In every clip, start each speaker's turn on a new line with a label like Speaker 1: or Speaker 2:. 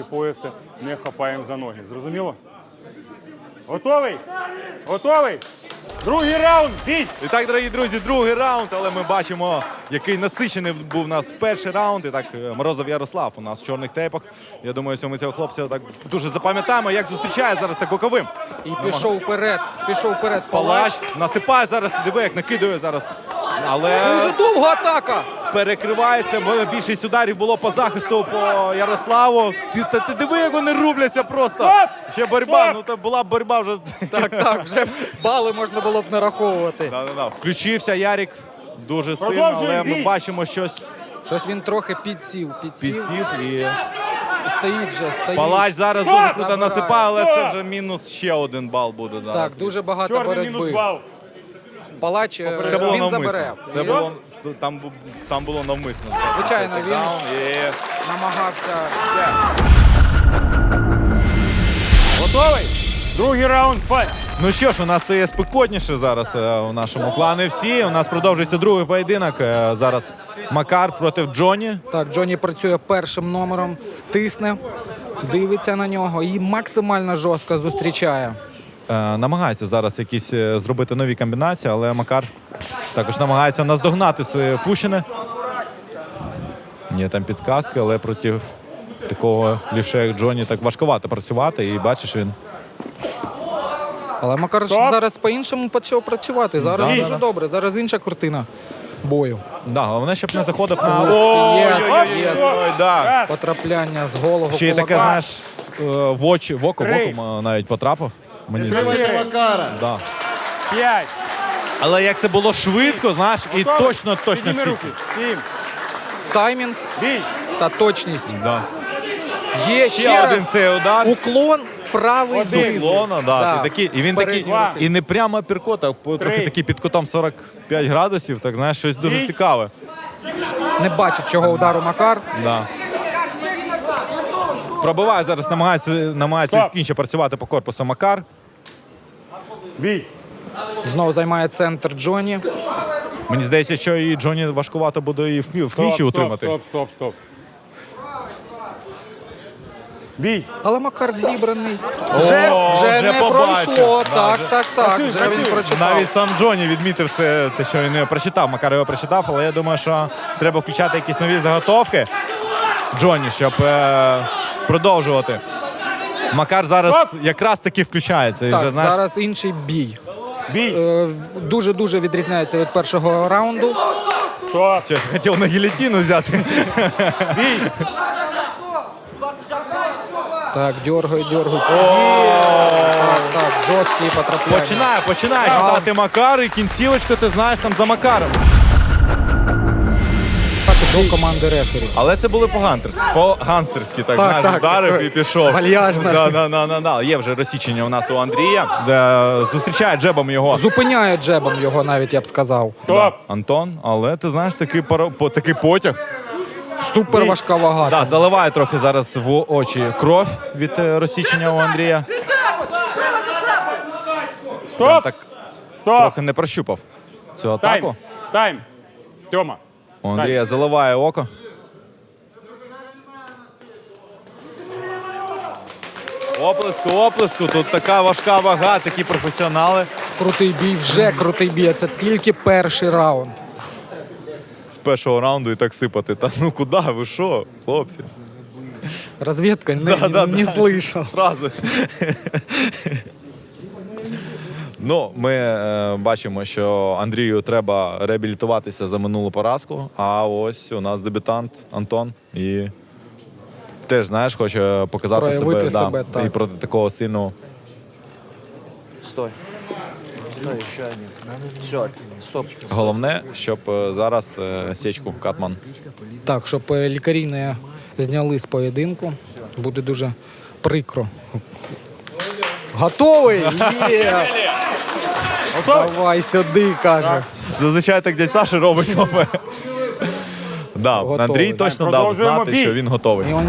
Speaker 1: пояса не хапаємо за ноги. Зрозуміло? Готовий? Готовий? Другий раунд, бій!
Speaker 2: І так, дорогі друзі, другий раунд, але ми бачимо, який насичений був у нас перший раунд. І так, Морозов Ярослав у нас в чорних тейпах. Я думаю, що ми цього хлопця так дуже запам'ятаємо, як зустрічає зараз так боковим.
Speaker 3: І пішов вперед,
Speaker 2: Палач насипає зараз, диви, як накидує зараз. Але
Speaker 3: Дуже довга атака.
Speaker 2: перекривається, більшість ударів було по захисту по Ярославу. Ти диви, як вони рубляться просто.
Speaker 1: Стоп!
Speaker 2: Ще боротьба,
Speaker 1: Стоп!
Speaker 2: ну то була б боротьба вже.
Speaker 3: Так, вже бали можна було б нараховувати.
Speaker 2: Да. Включився Ярик дуже сильно,
Speaker 1: Продовжуй
Speaker 2: але ми
Speaker 1: бій!
Speaker 2: бачимо щось
Speaker 3: Щось він трохи підсів
Speaker 2: підсів. І
Speaker 3: стоїть вже, стоїть.
Speaker 2: Палач зараз
Speaker 1: Стоп!
Speaker 2: дуже круто
Speaker 3: Забирає.
Speaker 2: насипає, але це
Speaker 1: Стоп!
Speaker 2: вже мінус ще один бал буде зараз.
Speaker 3: Так, дуже багато
Speaker 1: Чорний мінус
Speaker 3: боротьби.
Speaker 1: бал.
Speaker 3: Палач
Speaker 2: Це було
Speaker 3: він
Speaker 2: навмисно.
Speaker 3: забере.
Speaker 2: Це
Speaker 3: І
Speaker 2: було, там було навмисно.
Speaker 3: Звичайно, він
Speaker 2: Даун, і...
Speaker 3: намагався.
Speaker 1: Готовий? Другий раунд, файт!
Speaker 2: Ну що ж, у нас стає спекотніше зараз у нашому клані всі. У нас продовжується другий поєдинок. Зараз Макар проти Джоні.
Speaker 3: Так, Джоні працює першим номером, тисне, дивиться на нього і максимально жорстко зустрічає.
Speaker 2: Намагається зараз якісь зробити нові комбінації, але Макар також намагається наздогнати свої пущини. Є там підсказки, але проти такого лівша, як Джоні, так важкувато працювати. І бачиш, він
Speaker 3: Але Макар
Speaker 1: Стоп!
Speaker 3: зараз по-іншому почав працювати. Зараз
Speaker 2: Да,
Speaker 3: дуже
Speaker 2: да.
Speaker 3: добре. Зараз інша картина бою.
Speaker 2: головне, щоб не заходив на
Speaker 3: Єс.
Speaker 2: да.
Speaker 3: Потрапляння з голого
Speaker 2: Ще й таке,
Speaker 3: кулака.
Speaker 2: знаєш, в око
Speaker 1: Три.
Speaker 2: навіть потрапив. Мені здається.
Speaker 1: Чотири,
Speaker 2: Да.
Speaker 1: 5,
Speaker 2: Але як це було швидко, знаєш, і точно
Speaker 1: Підніми
Speaker 2: всі.
Speaker 1: руки. 7,
Speaker 3: Таймінг
Speaker 1: бій!
Speaker 3: та точність.
Speaker 2: Да.
Speaker 3: Є
Speaker 2: Ще
Speaker 3: ще раз
Speaker 2: один цей удар.
Speaker 3: уклон, правий
Speaker 1: Один.
Speaker 3: знизу.
Speaker 2: Лона,
Speaker 3: Да.
Speaker 2: і він
Speaker 3: З
Speaker 2: такий,
Speaker 3: передньої руки.
Speaker 2: і не прямо апперкот, а трохи такий під кутом 45 градусів, так знаєш, щось дуже
Speaker 1: Бій.
Speaker 2: цікаве.
Speaker 3: Не бачить цього удару Макар.
Speaker 2: Да. Пробиває зараз, намагається
Speaker 1: Стоп.
Speaker 2: скінче працювати по корпусу Макар.
Speaker 1: Бій!
Speaker 3: Знову займає центр Джоні.
Speaker 2: Мені здається, що і Джоні важкувато буде і в клінчі утримати.
Speaker 1: Стоп. Бій!
Speaker 3: Але Макар зібраний.
Speaker 2: О,
Speaker 3: Вже не
Speaker 2: побачив.
Speaker 3: пройшло.
Speaker 2: Да,
Speaker 3: Так. Вже він прочитав.
Speaker 2: Навіть сам Джоні відмітив це, те, що він не прочитав. Макар його прочитав, але я думаю, що треба включати якісь нові заготовки Джоні, щоб продовжувати. Макар зараз якраз таки включається. І
Speaker 3: Так,
Speaker 2: вже, знаєш,
Speaker 3: зараз інший бій.
Speaker 1: Бій!
Speaker 3: Дуже відрізняється від першого раунду.
Speaker 1: Стоп!
Speaker 2: що, хотів на гілятину взяти.
Speaker 1: Бій!
Speaker 3: Так, дьоргає. Так, жорсткі потрапляння.
Speaker 2: Починає шукати Макар, і кінцівочку, ти знаєш, там за Макаром.
Speaker 3: Так, до команди рефері.
Speaker 2: Але це були по-ганстерськи, так, знаєш,
Speaker 3: так,
Speaker 2: вдарив
Speaker 3: такий
Speaker 2: і пішов.
Speaker 3: вальяжно.
Speaker 2: Да. Є вже розсічення у нас у Андрія. Зустрічає джебом його
Speaker 3: Зупиняє джебом його навіть, я б сказав.
Speaker 1: Стоп!
Speaker 2: Антон, але ти знаєш, такий потяг.
Speaker 3: Супер важка вага.
Speaker 2: Да, заливає трохи зараз в очі кров від розсічення у Андрія. Прям
Speaker 1: Стоп!
Speaker 2: так
Speaker 1: Стоп!
Speaker 2: трохи не прощупав цю атаку.
Speaker 1: Тайм! Тьома!
Speaker 2: У Андрія заливає око. Оплеску. Тут така важка вага, такі професіонали.
Speaker 3: Крутий бій, вже крутий бій. Це тільки перший раунд.
Speaker 2: З першого раунду і так сипати. Та ну куди, ви що, хлопці?
Speaker 3: Розвідка не слышав.
Speaker 2: Сразу. Ну, ми бачимо, що Андрію треба реабілітуватися за минулу поразку. А ось у нас дебютант Антон. І теж, знаєш, хоче показати
Speaker 3: Проявити
Speaker 2: себе,
Speaker 3: себе,
Speaker 2: да,
Speaker 3: так.
Speaker 2: і проти такого сильного.
Speaker 4: Стой, еще один. Все, стоп.
Speaker 2: Головне, щоб зараз січку Катман.
Speaker 3: Так, щоб лікарі не зняли з поєдинку. Буде дуже прикро. Готовий? Є! Давай сюди, каже.
Speaker 2: Зазвичай так дядь Саша робить. Да,
Speaker 3: Готовий.
Speaker 2: Андрій точно дав
Speaker 1: Продовжуємо
Speaker 2: знати,
Speaker 1: бій.
Speaker 2: що він готовий.
Speaker 3: І он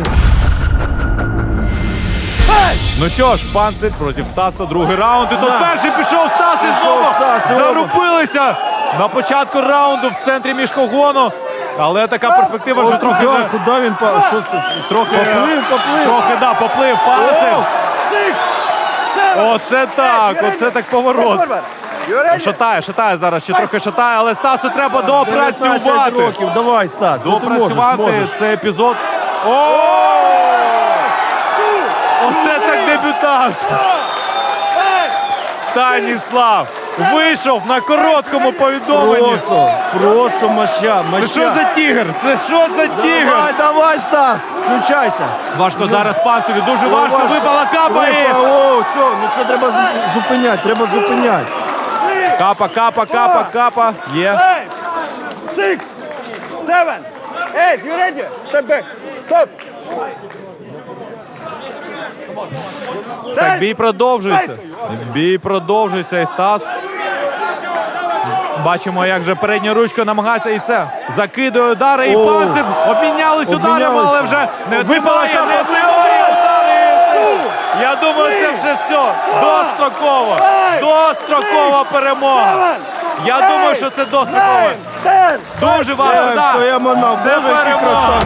Speaker 2: Ну що ж, Панцир проти Стаса, другий раунд. І тут перший пішов Стас і знову зарубилися. на початку раунду в центрі міжкогону. Але така перспектива, що трохи...
Speaker 5: Куди він що це?
Speaker 2: Трохи,
Speaker 5: Поплив.
Speaker 2: трохи, да, поплив пальцем. Оце так поворот. Шатає зараз, ще трохи шатає, але Стасу треба
Speaker 5: 19
Speaker 2: допрацювати.
Speaker 5: років, давай, Стас. ну ти
Speaker 2: Допрацювати
Speaker 5: можеш.
Speaker 2: цей епізод. Оце так дебютант. Станіслав вийшов на короткому повідомленні.
Speaker 5: Просто моща.
Speaker 2: Це що за тігр? Це що за тігр?
Speaker 5: Давай, Стас, включайся.
Speaker 2: Важко зараз панцеві, дуже важко. Випала капа і...
Speaker 5: О, все, ну це треба зупиняти,
Speaker 2: Капа. Є.
Speaker 6: 6, 7, 8, you ready? Step back. Stop.
Speaker 2: Так, бій продовжується. І Стас. Бачимо, як же передня ручка намагається і це. Закидує удари, і панцир. Обмінялись ударами, але вже не тримає. Я думаю, це вже все. Дострокова перемога. Я думаю, що це достроково. Дуже важко, так. Це перемога.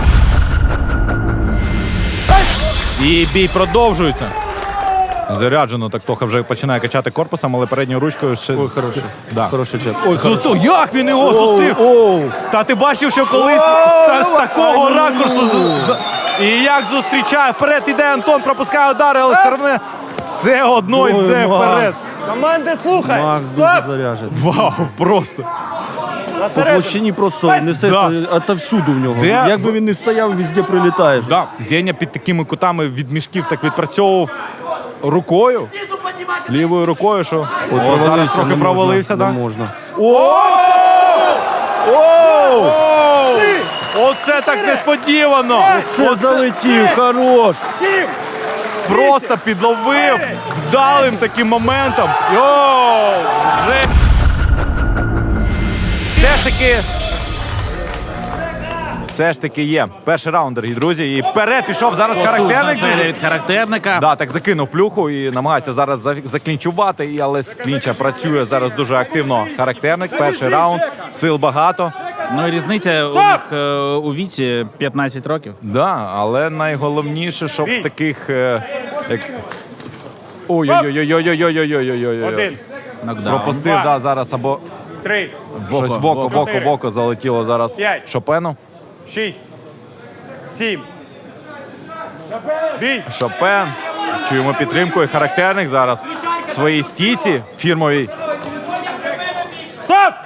Speaker 2: І бій продовжується. Заряджено, так Тоха вже починає качати корпусом, але передньою ручкою ще...
Speaker 5: Ой, хороший.
Speaker 2: Да.
Speaker 5: Хороший час.
Speaker 2: Як він його зустрів? Та ти бачив, що колись з такого ракурсу... І як зустрічає, вперед іде Антон, пропускає удари, але все одно йде вперед.
Speaker 6: Команди слухай.
Speaker 5: Макс дуже заряджений.
Speaker 2: Вау, просто.
Speaker 5: По площині просто несе отовсюду в нього.
Speaker 2: Де?
Speaker 5: Як би він не стояв, везде прилітаєш.
Speaker 2: Да. Зеня під такими кутами від мішків так відпрацьовував рукою, лівою рукою, що зараз трохи провалився.
Speaker 5: Не
Speaker 2: Да?
Speaker 5: можна.
Speaker 2: Оце так несподівано!
Speaker 5: Це залетів, хорош.
Speaker 2: Просто підловив вдалим таким моментом. Вже... Все ж таки є. Перший раунд, дорогі друзі. І вперед пішов зараз характерник.
Speaker 7: Серія від характерника.
Speaker 2: Да, так закинув плюху і намагається зараз заклінчувати, але з клінча працює зараз дуже активно характерник. Перший раунд, сил багато.
Speaker 7: Ну і різниця у них у віці 15 років.
Speaker 2: Да, але найголовніше, щоб таких... як... Ой-ой-ой-ой-ой-ой-ой-ой-ой-ой-ой-ой.
Speaker 1: Один,
Speaker 7: Нокдаун.
Speaker 2: Пропустив, да, зараз або
Speaker 1: 3,
Speaker 2: щось в око залетіло зараз
Speaker 1: П'ять.
Speaker 2: Шопену.
Speaker 1: 6, 7. Бій.
Speaker 2: Шопен. Чуємо підтримку і характерник зараз в своїй стійці фірмовій.
Speaker 1: Стоп!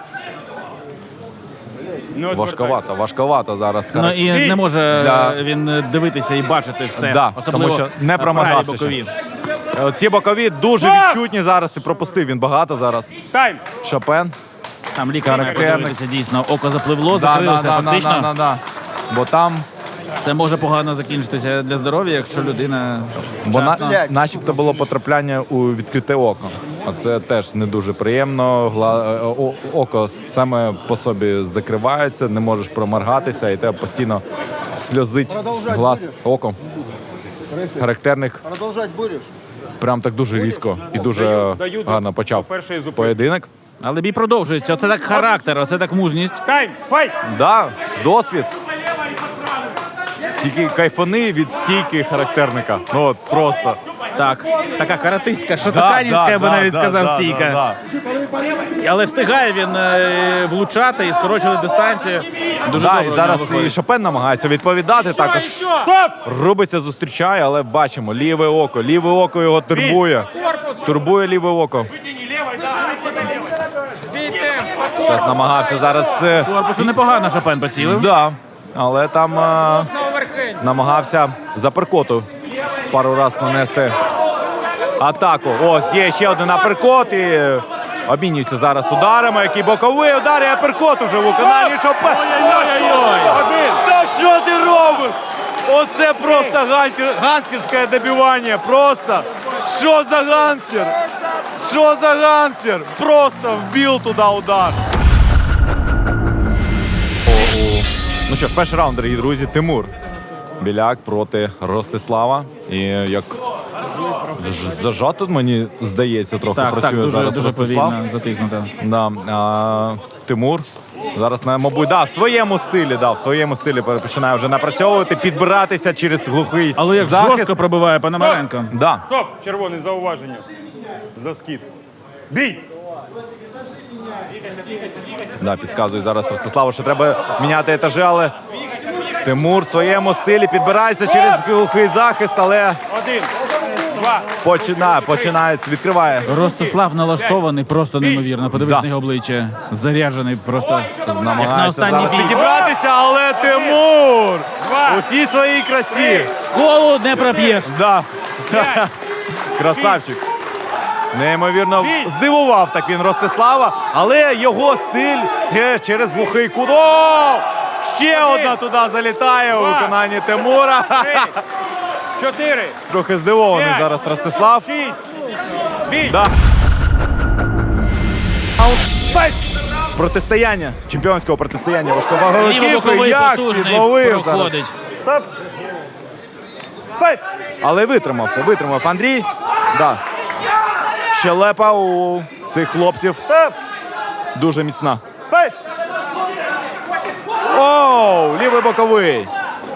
Speaker 1: Не відвертайся.
Speaker 2: Важковато зараз.
Speaker 7: Ну і не може
Speaker 2: Да.
Speaker 7: він дивитися і бачити все.
Speaker 2: Да,
Speaker 7: Особливо
Speaker 2: тому що не промагався
Speaker 7: праві бокові.
Speaker 2: Ці бокові дуже відчутні зараз і пропустив він багато зараз.
Speaker 1: Тайм.
Speaker 2: Шопен.
Speaker 7: Там лікар має
Speaker 2: Характерник.
Speaker 7: подивитися дійсно. Око запливло, закрилося. Фактично
Speaker 2: Да. Бо там
Speaker 7: це може погано закінчитися для здоров'я, якщо людина
Speaker 2: Бо
Speaker 7: вчасно...
Speaker 2: начебто було потрапляння у відкрите око. А це теж не дуже приємно. Око саме по собі закривається, не можеш проморгатися, і тебе постійно сльозить глаз оком. Характерник прям так дуже різко і дуже гарно почав
Speaker 1: Перший зупин.
Speaker 2: поєдинок.
Speaker 7: Але бій продовжується. Оце так характер, оце так мужність.
Speaker 1: Тайм. Файт.
Speaker 2: Да, досвід. Тільки кайфани від стійки характерника. Ну от просто.
Speaker 7: Так, така каратистська, шотоканівська, я би навіть сказав, стійка. Але встигає він влучати і скорочувати дистанцію. Дуже
Speaker 2: Да,
Speaker 7: добре
Speaker 2: і
Speaker 7: в нього
Speaker 2: зараз і
Speaker 7: виходить.
Speaker 2: Шопен намагається відповідати. Також
Speaker 1: Стоп!
Speaker 2: рубиться, зустрічає, але бачимо, ліве око його турбує. Турбує ліве око. Зараз намагався зараз.
Speaker 7: Корпусу непогано Шопен поцілив.
Speaker 2: Да, але там намагався за перкоту пару разів нанести атаку. Ось є ще один аперкот і обмінюються зараз ударами. Який боковий удар і аперкот уже в виконанні Шопен. Та що ти робиш? Оце просто ганстерське добивання. Просто. Що за гансер? Що за гансер? Просто вбив туди удар. Ну що ж, перший раунд, дорогі друзі. Тимур Біляк проти Ростислава. І як зажато, мені здається, трохи
Speaker 7: Так,
Speaker 2: працює
Speaker 7: дуже,
Speaker 2: зараз
Speaker 7: дуже
Speaker 2: Ростислав.
Speaker 7: повільно затиснуто.
Speaker 2: Да. Тимур. Зараз, мабуть, в своєму стилі починає вже напрацьовувати, підбиратися через глухий
Speaker 7: Але як
Speaker 2: захист.
Speaker 7: жорстко пробиває Пономаренко.
Speaker 2: Да.
Speaker 1: Стоп! Червоний зауваження. За скид. Бій!
Speaker 2: Да, підказує зараз Ростиславу, що треба міняти етажі, але Тимур в своєму стилі підбирається через глухий захист, але
Speaker 1: 1, 2.
Speaker 2: починає, відкриває.
Speaker 7: Ростислав налаштований просто неймовірно. Подивись
Speaker 2: Да.
Speaker 7: на його обличчя. Заряджений просто. Як на
Speaker 2: Намагається
Speaker 7: останній
Speaker 2: зараз
Speaker 7: бій.
Speaker 2: підібратися, але Тимур у всій своїй красі.
Speaker 7: Школу не проп'єш.
Speaker 2: Да. Красавчик. Неймовірно здивував так він Ростислава, але його стиль це через глухий кут. О! Ще одна туди залітає у виконанні Тимура.
Speaker 1: 4,
Speaker 2: Трохи здивований зараз Ростислав.
Speaker 1: 6. Бій!
Speaker 2: Да.
Speaker 1: Файт!
Speaker 2: Протистояння, чемпіонського протистояння важковаговиків.
Speaker 7: Лівобоковий
Speaker 2: Як
Speaker 7: потужний
Speaker 2: підловив зараз.
Speaker 7: проходить.
Speaker 1: Стоп! Файт!
Speaker 2: Але витримав Андрій. Да. Щелепа у цих хлопців
Speaker 1: Стоп!
Speaker 2: дуже міцна.
Speaker 1: Файт!
Speaker 2: Оу, лівий боковий.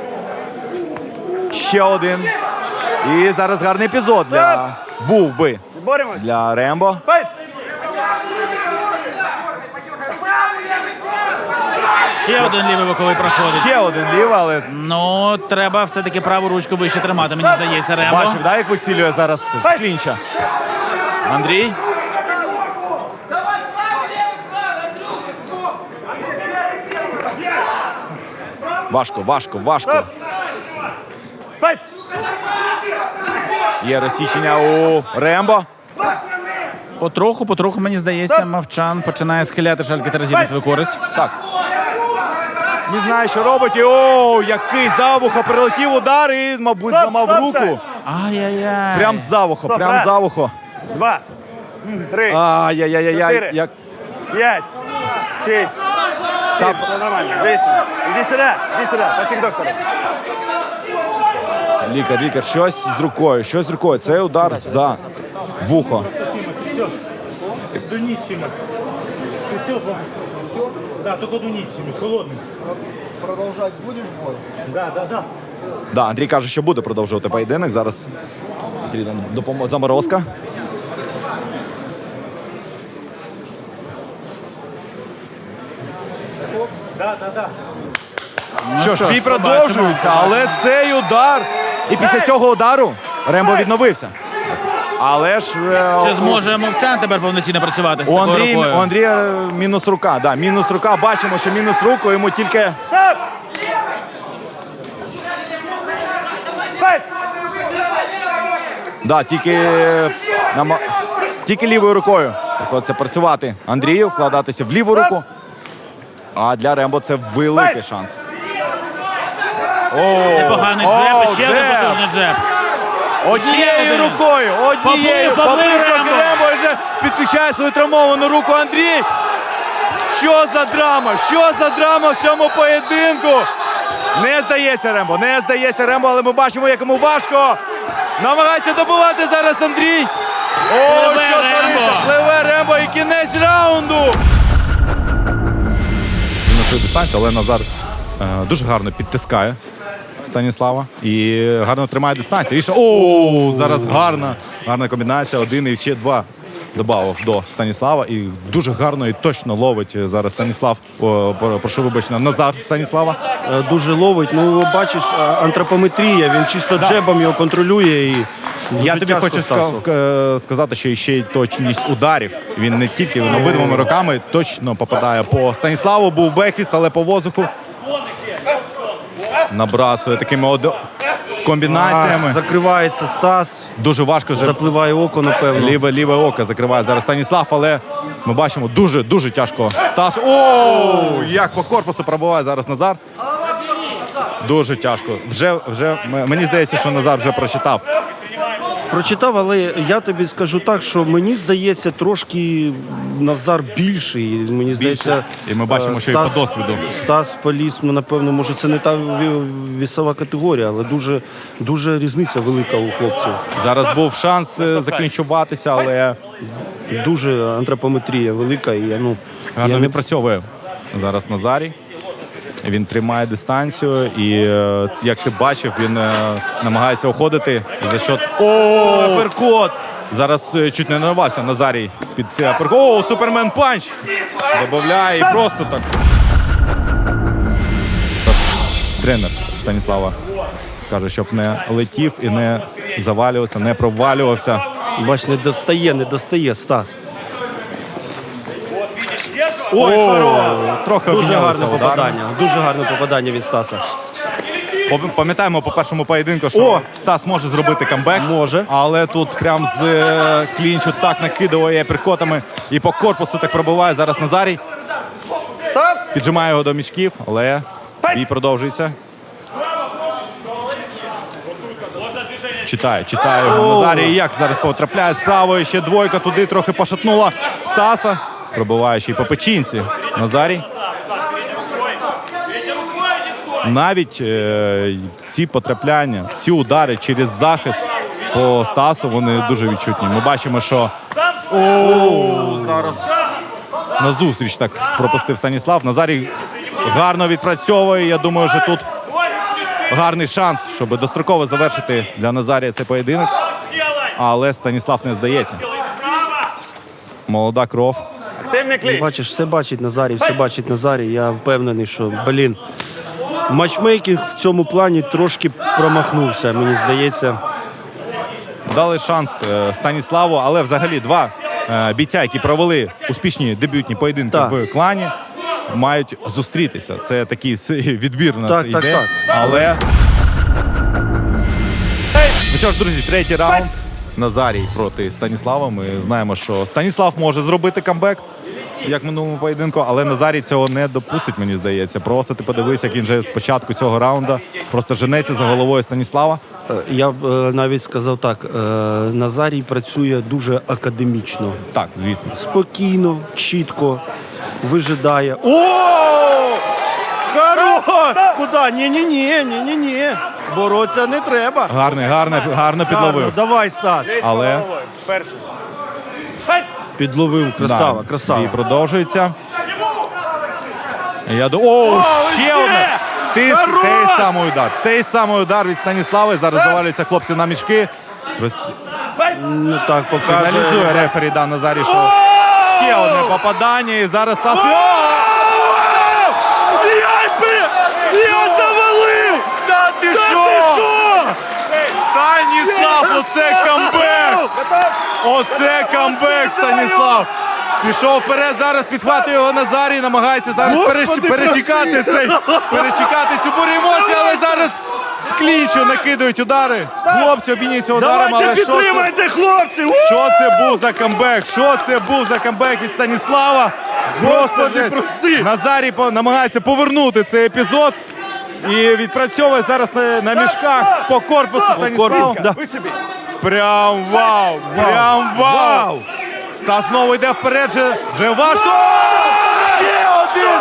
Speaker 2: Ще один. І зараз гарний епізод був би
Speaker 1: Боремось!
Speaker 2: для Рембо.
Speaker 1: Файт!
Speaker 7: Ще один лівий боковий проходить.
Speaker 2: Ще один лівий, але
Speaker 7: Ну, треба все-таки праву ручку вище тримати, мені здається, Рембо.
Speaker 2: бачив, да, як вицілює зараз з клінча. Андрій. Важко.
Speaker 1: Файт!
Speaker 2: Є розсічення у Рембо.
Speaker 7: Потроху, мені здається, Мовчан починає схиляти шальки Терезіни свою користь.
Speaker 2: Так. Не знаю, що робить. І, оу, який за вухо прилетів удар і, мабуть, зламав руку.
Speaker 7: Ай-яй-яй.
Speaker 2: Прям за вухо.
Speaker 1: 2, 3,
Speaker 2: Ай-яй-яй-яй.
Speaker 1: 4.
Speaker 2: Як
Speaker 1: 5, 6.
Speaker 2: та...
Speaker 1: Все нормально. Дивіться. Іди сюди. Почек доктора.
Speaker 2: Лікар, щось з рукою. Це удар за вухо.
Speaker 8: Дунічими. Да, тільки дунічими, холодним. Продовжати будеш бой? Да.
Speaker 2: Да, Андрій каже, що буде продовжувати поєдинок. Зараз заморозка.
Speaker 8: Да.
Speaker 2: Що ж, бій
Speaker 7: побачимо.
Speaker 2: продовжується, але цей удар. І після цього удару Рембо відновився. Але ж
Speaker 7: Чи зможе Мовчан тепер повноцінно працювати з
Speaker 2: у
Speaker 7: такою рукою?
Speaker 2: Андрія мінус рука. Да, мінус рука. Бачимо, що мінус руку йому тільки.
Speaker 1: Файт!
Speaker 2: Да, тільки лівою рукою приходиться працювати Андрію, вкладатися в ліву руку. А для Рембо це великий шанс.
Speaker 7: Непоганий джеб, ще один потужний джеб.
Speaker 2: Однією
Speaker 7: один.
Speaker 2: рукою,
Speaker 7: Поплив Рембо.
Speaker 2: Рембо вже підключає свою травмовану руку Андрій. Що за драма в цьому поєдинку? Не здається Рембо, але ми бачимо, як йому важко. Намагається добивати зараз Андрій. О,
Speaker 7: Пливе
Speaker 2: що твориться?
Speaker 7: Рембо.
Speaker 2: Пливе Рембо і кінець раунду. На свою дистанцію, але Назар дуже гарно підтискає Станіслава і гарно тримає дистанцію. Зараз гарна комбінація. 1 і ще 2 добавив до Станіслава. І дуже гарно і точно ловить зараз Станіслав. Прошу вибачення, Назар Станіслава.
Speaker 5: Дуже ловить. Ну, бачиш, антропометрія, він чисто джебом його контролює. І
Speaker 2: Я
Speaker 5: дуже
Speaker 2: тобі
Speaker 5: тяжко
Speaker 2: хочу
Speaker 5: Стасу.
Speaker 2: сказати, що ще й точність ударів. Він не тільки обидвома руками точно попадає по Станіславу. Був бекфіст, але по воздуху набрасує такими комбінаціями.
Speaker 5: Закривається Стас,
Speaker 2: Дуже важко вже.
Speaker 5: запливає око, напевно.
Speaker 2: Ліве око закриває зараз Станіслав, але ми бачимо дуже тяжко. Стас. Як по корпусу пробиває зараз Назар. Дуже тяжко. Вже мені здається, що Назар вже прочитав
Speaker 5: Прочитав, але я тобі скажу так, що мені здається, трошки Назар більший. Мені здається,
Speaker 2: І ми бачимо, що і по досвіду.
Speaker 5: Стас поліз, ну, напевно, може це не та вісова категорія, але дуже різниця велика у хлопців.
Speaker 2: Зараз був шанс заклінчуватися, але
Speaker 5: Дуже антропометрія велика. І, ну,
Speaker 2: гарно
Speaker 5: я не-
Speaker 2: відпрацьовує зараз Назарій. Він тримає дистанцію і, як ти бачив, він намагається уходити за счет... О,
Speaker 5: Перкот!
Speaker 2: зараз чуть не нарвався Назарій під цей аперкот. О, супермен панч! Добавляє і просто так. Тренер Станіслава каже, щоб не летів і не завалювався, не провалювався.
Speaker 5: Бач, не достає Стас. Ой, хорош!
Speaker 2: Трохи
Speaker 5: Дуже
Speaker 2: обмінялися
Speaker 5: гарне
Speaker 2: ударами.
Speaker 5: попадання. Дуже гарне попадання від Стаса.
Speaker 2: Пам'ятаємо по першому поєдинку, що
Speaker 5: О!
Speaker 2: Стас може зробити камбек.
Speaker 5: Може.
Speaker 2: Але тут прям з клінчу так накидує перкотами і по корпусу так пробиває зараз Назарій. Піджимає його до мішків, але бій продовжується. Читає його Назарій. Як зараз потрапляє з правої, ще двойка туди трохи пошатнула Стаса. Пробиває ще й по печінці Назарій. Навіть ці потрапляння, ці удари через захист по Стасу, вони дуже відчутні. Ми бачимо, що зараз назустріч так пропустив Станіслав. Назарій гарно відпрацьовує. Я думаю, що тут гарний шанс, щоб достроково завершити для Назарія цей поєдинок. Але Станіслав не здається. Молода кров.
Speaker 5: Бачиш, все бачить Назарій. Я впевнений, що, матчмейкінг в цьому плані трошки промахнувся, мені здається.
Speaker 2: Дали шанс Станіславу, але взагалі два бійця, які провели успішні дебютні поєдинки
Speaker 5: Так.
Speaker 2: в клані, мають зустрітися. Це такий відбір у нас
Speaker 5: Так,
Speaker 2: йде.
Speaker 5: так.
Speaker 2: Але ну що ж, друзі, третій раунд. Назарій проти Станіслава. Ми знаємо, що Станіслав може зробити камбек, як в минулому поєдинку, але Назарій цього не допустить, мені здається. Просто ти подивись, як він же з початку цього раунду просто женеться за головою Станіслава.
Speaker 5: Я б навіть сказав так, Назарій працює дуже академічно.
Speaker 2: Так, звісно.
Speaker 5: Спокійно, чітко, вижидає. О! Хорош! Куди? Ні. Боротися не треба.
Speaker 2: Гарно підловив.
Speaker 5: Давай, Стас.
Speaker 2: Але
Speaker 5: Підловив, красава.
Speaker 2: бій продовжується. Ще одне! Той самий удар від Станіслави. Зараз завалюються хлопці на мішки.
Speaker 5: Ну так, показує.
Speaker 2: Сигналізує рефері Назарій, що ще одне попадання. І зараз Стас...
Speaker 5: Я завалив!
Speaker 2: Та ти що? Станіслав, оце камбек! Оце камбек, Станіслав! Пішов вперед, зараз підхватує його Назарій, намагається зараз перечекати цю бурю емоцій, але зараз з клінчу накидують удари. Хлопці обмінюються ударами, але
Speaker 5: хлопці!
Speaker 2: що це був за камбек? Що це був за камбек від Станіслава? Просто Назарій намагається повернути цей епізод і відпрацьовує зараз на мішках по корпусу Станіслава. Прям вау! Прям вау! Стас знову йде вперед, вже важко! Ще один!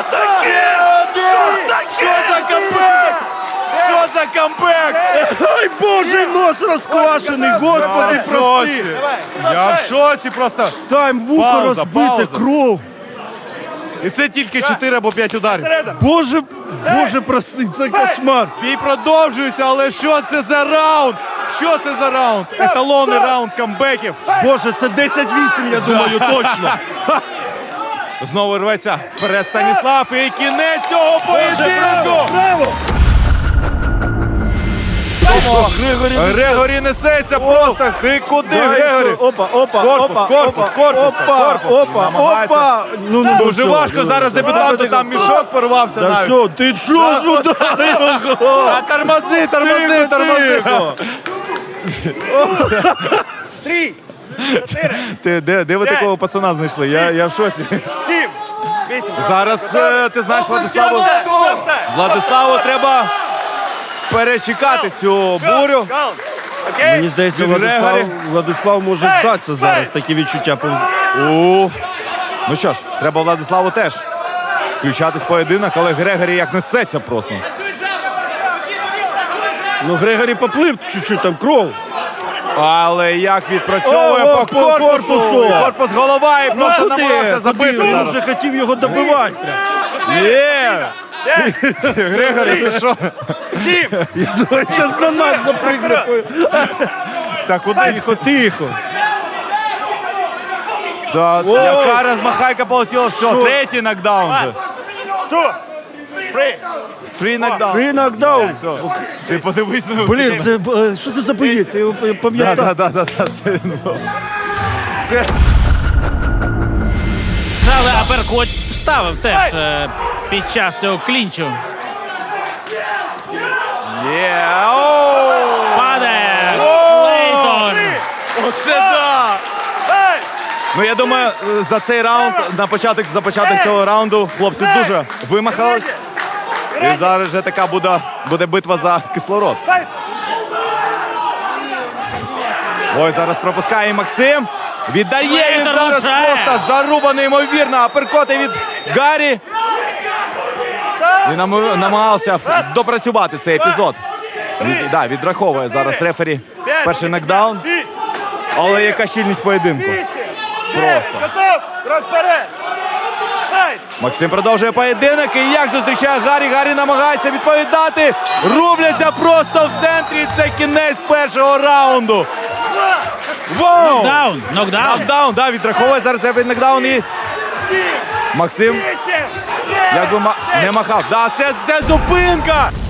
Speaker 2: Що за камбек? Що за камбек?
Speaker 5: Ай, Божий нос розквашений, Господи, прости!
Speaker 2: Я в шоці просто.
Speaker 5: Там вухо
Speaker 2: Пауза,
Speaker 5: розбите,
Speaker 2: пауза.
Speaker 5: кров.
Speaker 2: І це тільки 4 або 5 ударів.
Speaker 5: Боже, прости, це кошмар.
Speaker 2: Бій продовжується, але що це за раунд? Що це за раунд? Еталонний раунд камбеків.
Speaker 5: Боже, це 10-8, я думаю, точно.
Speaker 2: Знову рветься вперед Станіслав і кінець цього поєдинку.
Speaker 5: Браво!
Speaker 2: Грегорі несеться просто. Ти куди, Грегорі?
Speaker 5: Опа. Ну,
Speaker 2: Дуже важко зараз дебютанту, там мішок порвався
Speaker 5: Да
Speaker 2: навіть.
Speaker 5: все, ти що зударив?
Speaker 2: А тормози. Де ви такого пацана знайшли? Я в шоці.
Speaker 6: 7, 8.
Speaker 2: Зараз ти знаєш Владиславу треба перечекати цю бурю.
Speaker 5: Мені здається,
Speaker 2: Від Грегорі.
Speaker 5: Владислав може здатися зараз. Такі відчуття.
Speaker 2: Ну що ж, треба Владиславу теж включатись в поєдинок, але Грегорі як несеться просто.
Speaker 5: Ну, Грегорі поплив чуть-чуть, там кров.
Speaker 2: Але як відпрацьовує
Speaker 5: О,
Speaker 2: по
Speaker 5: по
Speaker 2: корпусу.
Speaker 5: корпусу.
Speaker 2: Корпус голова і просто намагався забити.
Speaker 5: Він
Speaker 2: зараз.
Speaker 5: вже хотів його добивати.
Speaker 2: Є! Грегорі, ти що?
Speaker 5: Я думаю, зараз на нас запригне.
Speaker 2: Та куди?
Speaker 5: Тихо.
Speaker 2: Та, яка розмахайка полетіла, все, третій нокдаун же. Фрі нокдаун.
Speaker 5: Фрі нокдаун.
Speaker 2: Все. Ти подивись на
Speaker 5: Блін, це що це за боєць? Я його пам'ятаю.
Speaker 2: Да, це він був. Це...
Speaker 7: Але аперкот вставив теж під час цього клінчу.
Speaker 2: Є, оу!
Speaker 7: Падає
Speaker 2: Оу!
Speaker 7: Клейтон.
Speaker 2: Оце да! Ну, я думаю, за цей раунд, за початок цього раунду, хлопці дуже вимахались. І зараз вже така буде битва за кислород. Ой, зараз пропускає Максим. Віддає він зараз просто зарубаний, ймовірно. Аперкоти від Гаррі. І намагався допрацювати цей епізод. Відраховує зараз рефері перший нокдаун. Але яка щільність поєдинку. Просто.
Speaker 6: Готов! Крок вперед!
Speaker 2: Максим продовжує поєдинок. І як зустрічає Гаррі. Гаррі намагається відповідати. Рубляться просто в центрі. Це кінець першого раунду. Воу!
Speaker 7: Нокдаун.
Speaker 2: Нокдаун, да, відраховує зараз рефері нокдаун. І Максим якби не махав. Да, це зупинка!